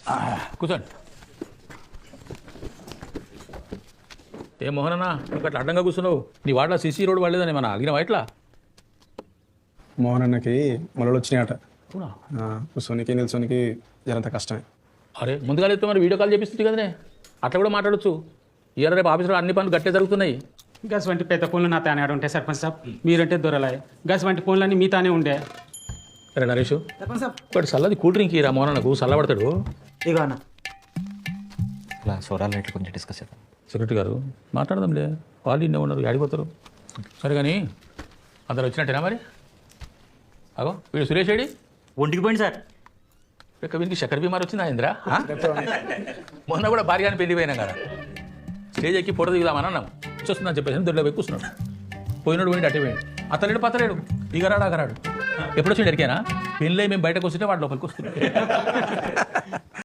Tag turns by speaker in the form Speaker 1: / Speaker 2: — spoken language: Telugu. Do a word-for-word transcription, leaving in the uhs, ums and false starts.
Speaker 1: కూర్చోండి. ఏ మోహనన్నా నువ్వు అట్లా అడ్డంగా కూర్చున్నావు? నీ వాడలో సిసి రోడ్ పడలేదని మన అడిగిన ఇట్లా
Speaker 2: మోహన్ అన్నకి మొలలు వచ్చినాయట.
Speaker 1: అవునా?
Speaker 2: కూర్చోనికి నిల్చోనికి జరంత కష్టమే.
Speaker 1: అరే ముందుగా అయితే మరి వీడియో కాల్ చేపిస్తుంది కదనే, అట్లా కూడా మాట్లాడచ్చు. ఇయర్ రేపు ఆఫీసులో అన్ని పనులు గట్టే జరుగుతున్నాయి.
Speaker 3: గస్ వంటి పెద్ద ఫోన్లు నా తానే ఉంటాయి సర్పంచ్ సాబ్, మీరంటే దొరలాయి. గస్ వంటి ఫోన్లన్నీ మీ తానే ఉండే.
Speaker 1: అరే నరేష్ ఇప్పుడు చల్లది కూల్ డ్రింక్ ఇరా మోహన్ నాకు చల్లబడతాడు.
Speaker 4: ఇగో అన్న
Speaker 5: ఇలా సోరాల రేట్లు కొంచెం డిస్కస్ చేద్దాం.
Speaker 1: సెక్రటరీ గారు మాట్లాడదాంలే, వాళ్ళు ఇన్నే ఉన్నారు ఆడిపోతారు. సరే కానీ అందరు వచ్చినట్టేనా మరి? అగో వీడు సురేష్ ఏడి
Speaker 4: ఒంటికి పోయింది సార్.
Speaker 1: ఇక వీనికి చక్కెర బీమార్ వచ్చిందా ఇంద్రా? మొన్న కూడా భార్యగాని పెళ్ళిపోయినాం కదా, స్టేజ్ ఎక్కి ఫోటో దిగుదామని అన్నాం. చూస్తుందని చెప్పేసి దొడ్లో పోయి కూర్చున్నాడు. పోయినాడు పోయింది అట్టే పోయాడు. అతలేడు పతలేడు, ఇగరాడు అగరాడు. ఎప్పుడు వచ్చిండు ఎరికేనా? పెళ్ళి మేము బయటకు వస్తుంటే వాడు లోపలికి వస్తున్నాడు.